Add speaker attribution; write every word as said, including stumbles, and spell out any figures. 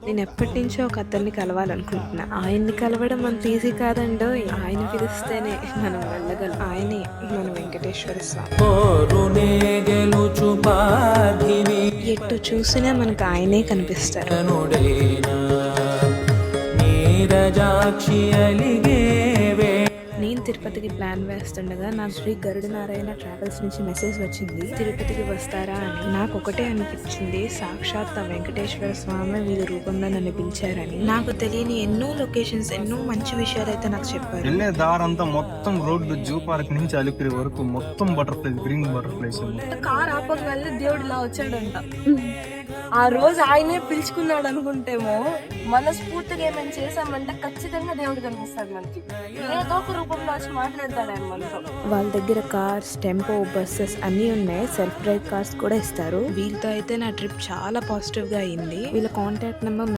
Speaker 1: నేను ఎప్పటి నుంచో ఒక అతన్ని కలవాలనుకుంటున్నా. ఆయన్ని కలవడం అంత ఈజీ కాదండో. ఆయన పిలిస్తేనే మనం వెళ్ళగలం. ఆయనే మన వెంకటేశ్వర స్వామి. ఎటు చూసినా మనకు ఆయనే కనిపిస్తారు. నేను తిరుపతికి ప్లాన్ వేస్తుండగా నాకు శ్రీ గరుడ నారాయణ ట్రావెల్స్ నుంచి మెసేజ్ వచ్చింది, తిరుపతికి వస్తారా అని. నాకు ఒకటే అనిపించింది, సాక్షాత్ ఆ వెంకటేశ్వర స్వామి వీళ్ళ రూపంలో నన్ను పిలిచారని. నాకు తెలియని ఎన్నో లొకేషన్స్, ఎన్నో మంచి విషయాలు అయితే నాకు చెప్పారు.
Speaker 2: వెళ్ళే దారంతా మొత్తం రోడ్డు జూ పార్క్ నుంచి అలిపిరి వరకు మొత్తం బటర్ఫ్లైస్, గ్రీన్ బటర్ఫ్లైస్.
Speaker 3: కార్ ఆపగానే దేవుడు ఇలా వచ్చాడంట. ఆ రోజు ఆయనే పిలుచుకున్నాడు అనుకుంటేమో, మనస్ఫూర్తిగా ఏమైనా చేసామంటే ఖచ్చితంగా దేవుడు కనిపిస్తాడు మనకి. ఏదో ఒక రూపంలో వచ్చి మాట్లాడతాడు ఆయన మనతో.
Speaker 1: వాళ్ళ దగ్గర కార్స్, టెంపో, బస్సెస్ అన్ని ఉన్నాయి. సెల్ఫ్ డ్రైవ్ కార్స్ కూడా ఇస్తారు. వీళ్ళతో అయితే నా ట్రిప్ చాలా పాజిటివ్ గా అయింది. వీళ్ళ కాంటాక్ట్ నెంబర్